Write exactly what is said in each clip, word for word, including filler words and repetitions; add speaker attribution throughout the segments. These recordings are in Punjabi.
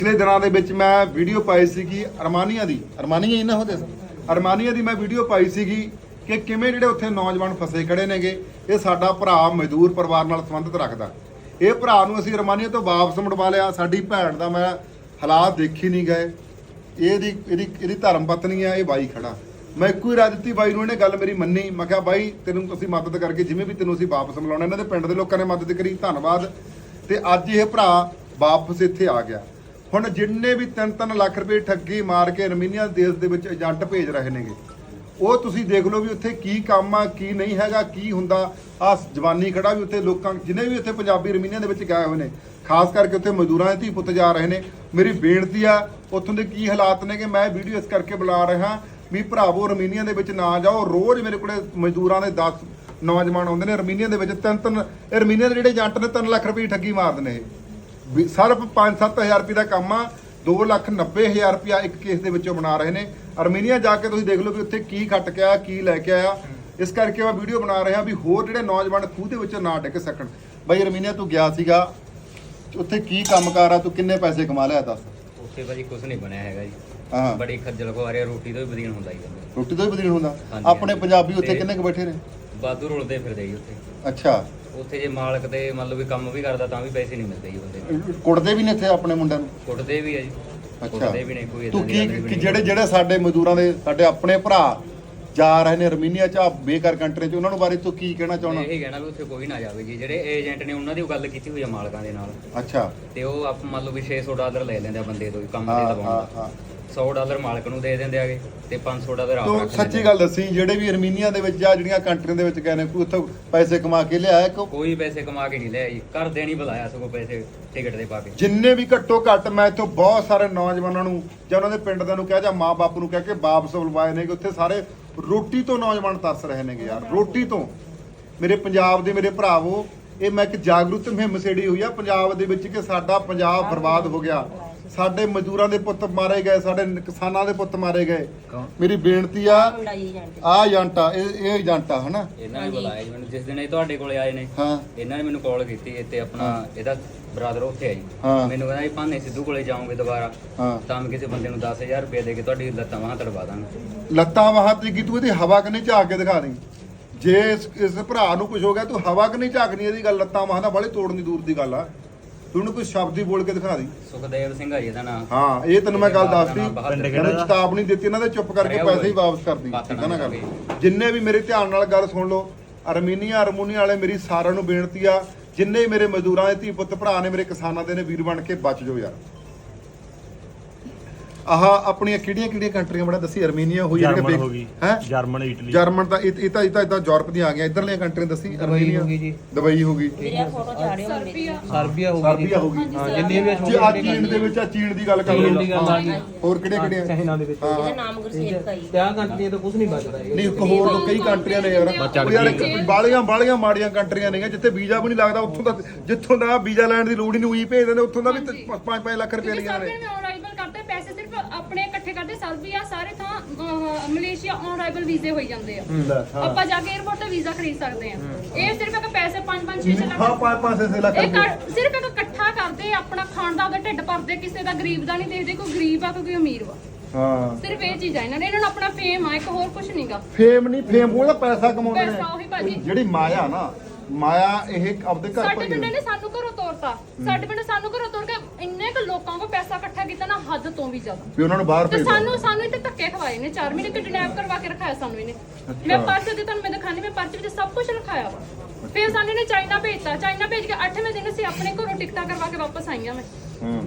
Speaker 1: पिछले दिनों के विच मैं वीडियो पाई सी अरमानिया की अरमानिया ही ना होते अरमानिया की मैं वीडियो पाई सी कि किवें जिहड़े उत्थे नौजवान फसे खड़े नेगे ये साडा भरा मजदूर परिवार नाल संबंधित रखदा ये भरा नूं असीं अरमानिया तो वापस मुड़वा लिया साडी भैण दा मैं हालात देखी नहीं गए ਇਹਦੀ ਇਹਦੀ ਇਹਦੀ ਧਰਮ ਪਤਨੀ ਆ ਇਹ ਬਾਈ ਖੜਾ ਮੈਂ ਇੱਕੋ ਹੀ ਰਾਹ ਦਿੱਤੀ ਬਾਈ ਨੂੰ ਇਹਨੇ ਗੱਲ ਮੇਰੀ ਮੰਨੀ ਮੈਂ ਕਿਹਾ ਬਾਈ ਤੈਨੂੰ ਅਸੀਂ ਮਦਦ ਕਰਕੇ ਜਿਵੇਂ ਵੀ ਤੈਨੂੰ ਅਸੀਂ ਵਾਪਸ ਮਿਲਾਉਣਾ ਇਹਨਾਂ ਦੇ ਪਿੰਡ ਦੇ ਲੋਕਾਂ ਨੇ ਮਦਦ ਕਰੀ ਧੰਨਵਾਦ ਤੇ ਅੱਜ ਇਹ ਭਰਾ ਵਾਪਸ ਇੱਥੇ ਆ ਗਿਆ ਹੁਣ ਜਿੰਨੇ ਵੀ ਤਿੰਨ ਤਿੰਨ ਲੱਖ ਰੁਪਏ ਠੱਗੀ ਮਾਰ ਕੇ ਅਰਮੀਨੀਆ ਦੇਸ਼ ਦੇ ਵਿੱਚ ਏਜੰਟ ਭੇਜ ਰਹੇ ਨੇਗੇ ਉਹ ਤੁਸੀਂ ਦੇਖ ਲਓ ਵੀ ਉੱਥੇ ਕੀ ਕੰਮ ਆ ਕੀ ਨਹੀਂ ਹੈਗਾ ਕੀ ਹੁੰਦਾ ਆ ਜਵਾਨੀ ਖੜਾ ਵੀ ਉੱਥੇ ਲੋਕਾਂ ਜਿਨੇ ਵੀ ਉੱਥੇ ਪੰਜਾਬੀ ਅਰਮੀਨੀਆ ਦੇ ਵਿੱਚ ਗਏ ਹੋਏ ਨੇ ਖਾਸ ਕਰਕੇ ਉੱਥੇ ਮਜ਼ਦੂਰਾਂ ਦੇ ਧੀ ਪੁੱਤ ਜਾ ਰਹੇ ਨੇ ਮੇਰੀ ਬੇਨਤੀ ਆ ਉੱਥੋਂ ਦੇ ਕੀ ਹਾਲਾਤ ਨੇ ਕਿ ਮੈਂ ਵੀਡੀਓ ਇਸ ਕਰਕੇ ਬੁਲਾ ਰਿਹਾ ਵੀ ਭਰਾਵੋ ਅਰਮੀਨੀਆ ਦੇ ਵਿੱਚ ਨਾ ਜਾਓ ਰੋਜ਼ ਮੇਰੇ ਕੋਲੇ ਮਜ਼ਦੂਰਾਂ ਦੇ ਦਸ ਨੌਜਵਾਨ ਆਉਂਦੇ ਨੇ ਅਰਮੀਨੀਆ ਦੇ ਵਿੱਚ ਤਿੰਨ ਤਿੰਨ ਅਰਮੀਨੀਆ ਦੇ ਜਿਹੜੇ ਏਜੰਟ ਨੇ ਤਿੰਨ ਲੱਖ ਰੁਪਏ ਠੱਗੀ ਮਾਰਦੇ ਨੇ ਇਹ ਸਿਰਫ ਪੰਜ ਸੱਤ ਹਜ਼ਾਰ ਰੁਪਏ ਦਾ ਕੰਮ ਆ ਦੋ ਲੱਖ ਨੱਬੇ ਹਜ਼ਾਰ ਰੁਪਇਆ ਇੱਕ ਕੇਸ ਦੇ ਵਿੱਚੋਂ ਬਣਾ ਰਹੇ ਨੇ ਅਰਮੀਨੀਆ ਜਾ ਕੇ ਤੁਸੀਂ ਦੇਖ ਲਓ ਵੀ ਉੱਥੇ ਕੀ ਖੱਟ ਕੇ ਆਇਆ ਕੀ ਲੈ ਕੇ ਆਇਆ ਇਸ ਕਰਕੇ ਮੈਂ ਵੀਡੀਓ ਬਣਾ ਰਿਹਾ ਵੀ ਹੋਰ ਜਿਹੜੇ ਨੌਜਵਾਨ ਖੂਹ ਦੇ ਵਿੱਚ ਨਾ ਡਿੱਗ ਸਕਣ ਬਾਈ ਅਰਮੀਨੀਆ ਤੂੰ ਗਿਆ ਸੀਗਾ ਉੱਥੇ ਕੀ ਕੰਮਕਾਰ ਆ ਤੂੰ ਕਿੰਨੇ ਪੈਸੇ ਕਮਾ ਲਿਆ ਦੱਸ
Speaker 2: ਉੱਥੇ ਭਾਜੀ ਕੁਝ ਨਹੀਂ ਬਣਿਆ ਹੈਗਾ ਜੀ
Speaker 1: ਹਾਂ
Speaker 2: ਬੜੀ ਖੱਜਲ ਖੁਆਰੀ ਰੋਟੀ ਤੋਂ ਵੀ ਬਦੀਨ ਹੁੰਦਾ ਜੀ
Speaker 1: ਰੋਟੀ ਤੋਂ ਵੀ ਬਦੀਨ ਹੁੰਦਾ ਆਪਣੇ ਪੰਜਾਬੀ ਉੱਥੇ ਕਿੰਨੇ ਕੁ ਬੈਠੇ ਨੇ
Speaker 2: ਬਾਦੂ ਰੁਲਦੇ ਫਿਰਦੇ ਜੀ ਉੱਥੇ
Speaker 1: ਅੱਛਾ
Speaker 2: ਉੱਥੇ ਜੇ ਮਾਲਕ ਤੇ ਮਤਲਬ ਵੀ ਕੰਮ ਵੀ ਕਰਦਾ ਤਾਂ ਵੀ ਪੈਸੇ ਨਹੀਂ ਮਿਲਦੇ ਜੀ ਬੰਦੇ ਨੂੰ
Speaker 1: ਕੁੱਟਦੇ ਵੀ ਨੇ ਇੱਥੇ ਆਪਣੇ ਮੁੰਡਿਆਂ ਨੂੰ
Speaker 2: ਕੁੱਟਦੇ ਵੀ ਆ ਜੀ ਕੁੱਟਦੇ ਵੀ ਨੇ ਕੋਈ
Speaker 1: ਤੂੰ ਕੀ ਜਿਹੜੇ ਜਿਹੜੇ ਸਾਡੇ ਮਜ਼ਦੂਰਾਂ ਦੇ ਸਾਡੇ ਆਪਣੇ ਭਰਾ ਜਾ ਰਹੇ ਨੇ ਅਰਮੀਨੀਆ ਚ ਬੇਕਾਰ ਕੰਟਰੀ ਚ ਉਹਨਾਂ ਨੂੰ ਬਾਰੇ ਤੂੰ ਕੀ ਕਹਿਣਾ ਚਾਹੁੰਦਾ
Speaker 2: ਇਹ ਕਹਿਣਾ ਵੀ ਉੱਥੇ ਕੋਈ ਨਾ ਜਾਵੇ ਜੀ ਜਿਹੜੇ ਏਜੰਟ ਨੇ ਉਹਨਾਂ ਦੀ ਗੱਲ ਕੀਤੀ ਹੋਈ ਆ ਮਾਲਕਾਂ ਦੇ ਨਾਲ
Speaker 1: ਅੱਛਾ
Speaker 2: ਤੇ ਉਹ ਆਪ ਮੰਨ ਲਓ ਵੀ ਛੇ ਸੌ ਡਾਲਰ ਲੈ ਲੈਂਦੇ ਆ ਬੰਦੇ ਤੋਂ ਕੰਮ ਤੇ ਲਵਾਉਣ ਦਾ ਸੌ ਡਾਲਰ ਮਾਲਕ ਨੂੰ ਦੇ ਦਿੰਦੇ ਆਗੇ ਤੇ ਪੰਜ ਸੌ ਡਾਲਰ ਆਪ ਰੱਖ ਲੈਂਦੇ।
Speaker 1: ਸੱਚੀ ਗੱਲ ਦੱਸੀ ਜਿਹੜੇ ਵੀ ਅਰਮੀਨੀਆ ਦੇ ਵਿੱਚ ਜਾਂ ਜਿਹੜੀਆਂ ਕੰਟਰੀਆਂ ਦੇ ਵਿੱਚ ਗਏ ਨੇ ਕੋਈ ਉੱਥੋਂ ਪੈਸੇ ਕਮਾ ਕੇ ਲਿਆਇਆ
Speaker 2: ਕੋਈ ਪੈਸੇ ਕਮਾ ਕੇ ਨਹੀਂ ਲਿਆ ਜੀ ਘਰ ਦੇ ਨਹੀਂ ਬੁਲਾਇਆ ਸਗੋਂ ਪੈਸੇ ਟਿਕਟ ਦੇ ਪਾ ਕੇ
Speaker 1: ਜਿੰਨੇ ਵੀ ਘੱਟੋ ਘੱਟ ਮੈਂ ਇੱਥੋਂ ਬਹੁਤ ਸਾਰੇ ਨੌਜਵਾਨਾਂ ਨੂੰ ਜਾਂ ਉਹਨਾਂ ਦੇ ਪਿੰਡ ਦੇ ਨੂੰ ਕਿਹਾ ਜਾਂ ਮਾਂ ਬਾਪ ਨੂੰ ਕਹਿ ਕੇ ਵਾਪਸ ਬੁਲਵਾਏ ਨੇ ਕਿ ਉੱਥੇ ਸਾਰੇ ਰੋਟੀ ਤੋਂ ਨੌਜਵਾਨ ਤਰਸ ਰਹੇ ਨੇਗੇ ਯਾਰ ਰੋਟੀ ਤੋਂ ਮੇਰੇ ਪੰਜਾਬ ਦੇ ਮੇਰੇ ਭਰਾਵੋ ਇਹ ਮੈਂ ਇੱਕ ਜਾਗਰੂਕ ਮੁਹਿੰਮ ਛੇੜੀ ਹੋਈ ਆ ਪੰਜਾਬ ਦੇ ਵਿੱਚ ਕਿ ਸਾਡਾ ਪੰਜਾਬ ਬਰਬਾਦ ਹੋ ਗਿਆ ਸਾਡੇ ਮਜ਼ਦੂਰਾਂ ਦੇ ਪੁੱਤ ਮਾਰੇ ਗਏ ਸਾਡੇ ਕਿਸਾਨਾਂ ਦੇ ਪੁੱਤ ਮਾਰੇ ਗਏ ਮੇਰੀ ਬੇਨਤੀ ਆ ਆ ਏਜੰਟਾ ਇਹ ਇਹ ਏਜੰਟਾ ਹਨਾ
Speaker 2: ਇਹਨਾਂ ਨੇ ਬੁਲਾਇਆ ਜੀ ਮੈਨੂੰ ਜਿਸ ਦਿਨ ਇਹ ਤੁਹਾਡੇ ਕੋਲੇ ਆਏ ਨੇ
Speaker 1: ਹਾਂ
Speaker 2: ਇਹਨਾਂ ਨੇ ਮੈਨੂੰ ਕਾਲ ਕੀਤੀ ਤੇ ਆਪਣਾ ਇਹਦਾ ਬ੍ਰਦਰ ਉੱਥੇ ਆ ਜੀ ਮੈਨੂੰ ਕਹਿੰਦਾ ਜੀ ਭਾਨੇ ਸਿੱਧੂ ਕੋਲੇ ਜਾਓਗੇ ਦੁਬਾਰਾ ਤਾਂ ਮੈਂ ਕਿਸੇ ਬੰਦੇ ਨੂੰ ਦਸ ਹਜ਼ਾਰ ਰੁਪਏ ਦੇ ਕੇ ਤੁਹਾਡੀ ਲੱਤਾਂ ਬਾਹਾਂ ਤੜਵਾ ਦਾਂਗਾ
Speaker 1: ਲੱਤਾਂ ਬਾਹਾਂ ਤੇ ਕੀ ਤੂੰ ਇਹਦੀ ਹਵਾ ਕਨੇ ਝਾਕ ਕੇ ਦਿਖਾ ਦੇ ਜੇ ਇਸ ਭਰਾ ਨੂੰ ਕੁਝ ਹੋ ਗਿਆ ਤੂੰ ਹਵਾ ਕਨੇ ਝਾਕਣੀ ਇਹਦੀ ਗੱਲ ਲੱਤਾਂ ਬਾਹਾਂ ਦਾ ਬੜੇ ਤੋੜਨ ਦੀ ਦੂਰ ਦੀ ਗੱਲ ਆ ਤੂੰ ਕੋਈ ਸ਼ਬਦ ਹੀ ਬੋਲ ਕੇ ਦਿਖਾ ਦੇ
Speaker 2: ਸੁਖਦੇਵ ਸਿੰਘ ਆ ਜੀ ਇਹਦਾ ਨਾਮ
Speaker 1: ਹਾਂ ਇਹ ਤੈਨੂੰ ਮੈਂ ਗੱਲ ਦੱਸਦੀ ਇਹਨੂੰ ਚੇਤਾਵਨੀ ਦਿੱਤੀ ਇਹਨਾਂ ਦੇ ਚੁੱਪ ਕਰਕੇ ਪੈਸੇ ਹੀ ਵਾਪਸ ਕਰਦੀ ਠੀਕ ਆ ਨਾ ਗੱਲ ਜਿੰਨੇ ਵੀ ਮੇਰੇ ਧਿਆਨ ਨਾਲ ਗੱਲ ਸੁਣ ਲਓ ਅਰਮੀਨੀਆ ਅਰਮੂਨੀਆ ਵਾਲੇ ਮੇਰੀ ਸਾਰਿਆਂ ਨੂੰ ਬੇਨਤੀ ਆ ਜਿੰਨੇ ਮੇਰੇ ਮਜ਼ਦੂਰਾਂ ਦੇ ਧੀ ਪੁੱਤ ਭਰਾ ਨੇ ਮੇਰੇ ਕਿਸਾਨਾਂ ਦੇ ਨੇ ਵੀਰ ਬਣ ਕੇ ਬਚ ਜਾਓ ਯਾਰ ਆਹ ਆਪਣੀਆਂ ਕਿਹੜੀਆਂ ਕਿਹੜੀਆਂ ਕੰਟਰੀਆਂ ਬੜਾ ਦੱਸੀ ਅਰਮੀਨੀਆ ਹੋਈ ਹੈ
Speaker 3: ਜਰਮਨ ਇਟਲੀ
Speaker 1: ਜਰਮਨ ਤਾਂ ਇਹ ਤਾਂ ਇਹ ਤਾਂ ਇਦਾਂ ਯੂਰਪ ਦੀਆਂ ਆ ਗਈਆਂ ਇਧਰਲੀਆਂ ਕੰਟਰੀਆਂ ਦੱਸੀ ਅਰਮੀਨੀਆ ਹੋ ਗਈ ਜੀ ਦੁਬਈ ਹੋ ਗਈ
Speaker 3: ਸਰਬੀਆ
Speaker 1: ਸਰਬੀਆ ਹੋ ਗਈ
Speaker 3: ਹਾਂ ਜਿੰਨੀਆਂ ਵੀ
Speaker 1: ਜੀ ਆ ਚੀਨ ਦੇ ਵਿੱਚ ਆ ਚੀਨ ਦੀ ਗੱਲ ਕਰ ਲਓ ਹੋਰ ਕਿਹੜੇ ਕਿਹੜੇ
Speaker 3: ਚਾਈਨਾ ਦੇ ਵਿੱਚ
Speaker 1: ਇਹਦਾ
Speaker 4: ਨਾਮ ਗੁਰਸੇਵਕ ਹੈ
Speaker 3: ਤਿਆ ਕੰਟਰੀਆਂ ਤੋਂ ਕੁਝ ਨਹੀਂ ਬਚਦਾ
Speaker 1: ਨਹੀਂ ਇੱਕ ਹੋਰ ਕਈ ਕੰਟਰੀਆਂ ਨੇ ਯਾਰ ਯਾਰ ਬਾਲੀਆਂ ਬਾਲੀਆਂ ਮਾੜੀਆਂ ਕੰਟਰੀਆਂ ਨੇ ਜਿੱਥੇ ਵੀਜ਼ਾ ਵੀ ਨਹੀਂ ਲੱਗਦਾ ਉੱਥੋਂ ਦਾ ਜਿੱਥੋਂ ਦਾ ਵੀਜ਼ਾ ਲੈਣ ਦੀ ਲੋੜ ਹੀ ਨਹੀਂ ਉਹੀ ਭੇਜ ਦਿੰਦੇ ਉੱਥੋਂ ਦਾ ਵੀ ਪੰਜ ਪੰਜ ਲੱਖ ਰੁਪਏ ਲਿਆ ਨੇ
Speaker 4: ਕਰਦੇ ਪੈਸੇ ਸਿਰਫ ਆਪਣੇ ਇਕੱਠੇ ਕਰਦੇ ਸਰਬੀਆ ਸਾਰੇ ਥਾਂ ਮਲੇਸ਼ੀਆ ਔਨ ਅਰਾਈਵਲ ਵੀਜ਼ੇ ਹੋਈ ਜਾਂਦੇ ਆ ਆਪਾਂ ਜਾ ਕੇ 에어ਪੋਰਟ ਤੇ ਵੀਜ਼ਾ ਖਰੀਦ ਸਕਦੇ ਆ ਇਹ ਸਿਰਫ ਇੱਕ ਪੈਸੇ ਪੰਜ ਪੰਜ ਛੇ ਛੇ ਲੱਖ
Speaker 1: ਹਾਂ ਪੰਜ ਪੰਜ ਛੇ ਲੱਖ
Speaker 4: ਇਹ ਸਿਰਫ ਇੱਕ ਇਕੱਠਾ ਕਰਦੇ ਆਪਣਾ ਖਾਣ ਦਾ ਉਹਦਾ ਢਿੱਡ ਭਰਦੇ ਕਿਸੇ ਦਾ ਗਰੀਬ ਦਾ ਨਹੀਂ ਦੇਖਦੇ ਕੋਈ ਗਰੀਬ ਆ ਕੋਈ ਅਮੀਰ ਵਾ
Speaker 1: ਹਾਂ
Speaker 4: ਸਿਰਫ ਇਹ ਚੀਜ਼ ਆ ਇਹਨਾਂ ਨੇ ਇਹਨਾਂ ਨੂੰ ਆਪਣਾ ਫੇਮ ਆ ਇੱਕ ਹੋਰ ਕੁਝ ਨਹੀਂਗਾ
Speaker 1: ਫੇਮ ਨਹੀਂ ਫੇਮ ਉਹਦਾ ਪੈਸਾ ਕਮਾਉਂਦੇ ਨੇ
Speaker 4: ਪੈਸਾ ਉਹੀ ਭਾਜੀ
Speaker 1: ਜਿਹੜੀ ਮਾਇਆ ਨਾ ਮਾਇਆ ਇਹ ਆਪਦੇ ਘਰ
Speaker 4: ਸਾਡੇ ਪਿੰਡ ਨੇ ਸਾਨੂੰ ਘਰੋਂ ਤੋਰਤਾ ਸਾਡੇ ਪਿੰਡ ਸਾਨੂੰ ਘਰੋਂ ਤੋਰ ਕੇ ਇੰਨੇ ਕੁ ਲੋਕਾਂ ਕੋ ਪੈਸਾ ਇਕੱਠਾ ਕੀਤਾ ਨਾ ਹੱਦ ਤੋਂ ਵੀ ਜ਼ਿਆਦਾ
Speaker 1: ਵੀ ਉਹਨਾਂ ਨੂੰ ਬਾਹਰ
Speaker 4: ਤੇ
Speaker 1: ਭੇਜ
Speaker 4: ਸਾਨੂੰ ਸਾਨੂੰ ਇੱਥੇ ਧੱਕੇ ਖਵਾਏ ਨੇ ਚਾਰ ਮਹੀਨੇ ਕਿਡਨੈਪ ਕਰਵਾ ਕੇ ਰਖਾਇਆ ਸਾਨੂੰ ਇਹਨੇ ਮੈਂ ਪਰਚੇ ਦੇ ਤੁਹਾਨੂੰ ਮੈਂ ਦਿਖਾਣੀ ਮੈਂ ਪਰਚੇ ਵਿੱਚ ਸਭ ਕੁਝ ਲਿਖਾਇਆ ਵਾ ਫਿਰ ਸਾਨੂੰ ਇਹਨੇ ਚਾਈਨਾ ਭੇਜਤਾ ਚਾਈਨਾ ਭੇਜ ਕੇ ਅੱਠਵੇਂ ਦਿਨ ਅਸੀਂ ਆਪਣੇ ਘਰੋਂ ਟਿਕਟਾਂ ਕਰਵਾ ਕੇ ਵਾਪਸ ਆਈਆਂ ਮੈਂ
Speaker 1: ਹੂੰ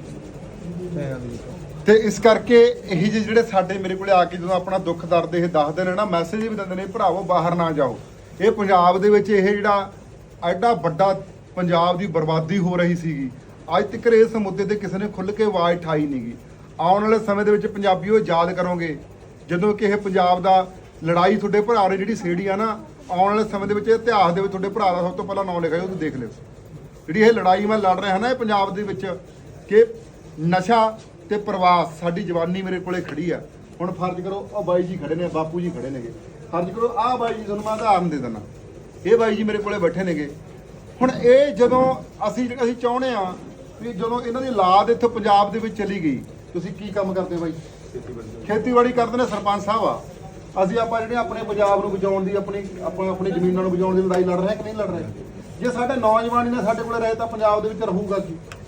Speaker 1: ਤੇ ਇਸ ਕਰਕੇ ਇਹੀ ਜਿਹੜੇ ਸਾਡੇ ਮੇਰੇ ਕੋਲੇ ਆ ਕੇ ਜਦੋਂ ਆਪਣਾ ਦੁੱਖ ਦਰਦ ਇਹ ਦੱਸਦੇ ਨੇ ਨਾ ਮੈਸੇਜ ਵੀ ਦਿੰਦੇ ਨੇ ਭਰਾਵੋ ਬਾਹਰ ਨਾ ਜਾਓ ਇਹ ਪੰਜਾਬ ਦੇ ਵਿੱਚ ਇਹ ਜਿਹੜਾ ਐਡਾ ਵੱਡਾ ਪੰਜਾਬ ਦੀ ਬਰਬਾਦੀ ਹੋ ਰਹੀ ਸੀਗੀ ਅੱਜ ਤੱਕ ਇਸ ਮੁੱਦੇ ਤੇ ਕਿਸੇ ਨੇ ਖੁੱਲ੍ਹ ਕੇ ਆਵਾਜ਼ ਉਠਾਈ ਨਹੀਂਗੀ ਆਉਣ ਵਾਲੇ ਸਮੇਂ ਦੇ ਵਿੱਚ ਪੰਜਾਬੀਓ ਯਾਦ ਕਰੋਗੇ ਜਦੋਂ ਕਿ ਇਹ ਪੰਜਾਬ ਦਾ ਲੜਾਈ ਤੁਹਾਡੇ ਭਰਾ ਨੇ ਜਿਹੜੀ ਛੇੜੀ ਆ ਨਾ ਆਉਣ ਵਾਲੇ ਸਮੇਂ ਦੇ ਵਿੱਚ ਇਤਿਹਾਸ ਦੇ ਵਿੱਚ ਤੁਹਾਡੇ ਭਰਾ ਦਾ ਸਭ ਤੋਂ ਪਹਿਲਾਂ ਨਾਮ ਲਿਖਿਆ ਉਹ ਤੁਸੀਂ ਦੇਖ ਲਿਓ ਜਿਹੜੀ ਇਹ ਲੜਾਈ ਮੈਂ ਲੜ ਰਿਹਾ ਨਾ ਇਹ ਪੰਜਾਬ ਦੇ ਵਿੱਚ ਕਿ ਨਸ਼ਾ ਤੇ ਪ੍ਰਵਾਸ ਸਾਡੀ ਜਵਾਨੀ ਮੇਰੇ ਕੋਲੇ ਖੜੀ ਆ ਹੁਣ ਫਰਜ਼ ਕਰੋ ਉਹ ਬਾਈ ਜੀ ਖੜੇ ਨੇ ਬਾਪੂ ਜੀ ਖੜੇ ਨੇਗੇ ਫਰਜ਼ ਕਰੋ ਆਹ ਬਾਈ ਜੀ ਤੁਹਾਨੂੰ ਮੈਂ ਉਦਾਹਰਨ ਦੇ ਦਿੰਦਾ ਇਹ ਬਾਈ ਜੀ ਮੇਰੇ ਕੋਲੇ ਬੈਠੇ ਨੇਗੇ ਹੁਣ ਇਹ ਜਦੋਂ ਅਸੀਂ ਅਸੀਂ ਚਾਹੁੰਦੇ ਆ ਵੀ ਜਦੋਂ ਇਹਨਾਂ ਦੀ ਔਲਾਦ ਇੱਥੇ ਪੰਜਾਬ ਦੇ ਵਿੱਚ ਚਲੀ ਗਈ, ਤੁਸੀਂ ਕੀ ਕੰਮ ਕਰਦੇ ਬਾਈ? ਖੇਤੀਬਾੜੀ ਕਰਦੇ ਨੇ ਸਰਪੰਚ ਸਾਹਿਬ ਆ। ਅਸੀਂ ਆਪਾਂ ਜਿਹੜੇ ਆਪਣੇ ਪੰਜਾਬ ਨੂੰ ਬਚਾਉਣ ਦੀ ਆਪਣੀ ਆਪਾਂ ਆਪਣੀ ਜ਼ਮੀਨਾਂ ਨੂੰ ਬਚਾਉਣ ਦੀ ਲੜਾਈ ਲੜ ਰਹੇ ਕਿ ਨਹੀਂ ਲੜ ਰਹੇ? ਜੇ ਸਾਡੇ ਨੌਜਵਾਨ ਨੇ ਸਾਡੇ ਕੋਲ ਰਹੇ ਤਾਂ ਪੰਜਾਬ ਦੇ ਵਿੱਚ ਰਹੂਗਾ ਕੀ?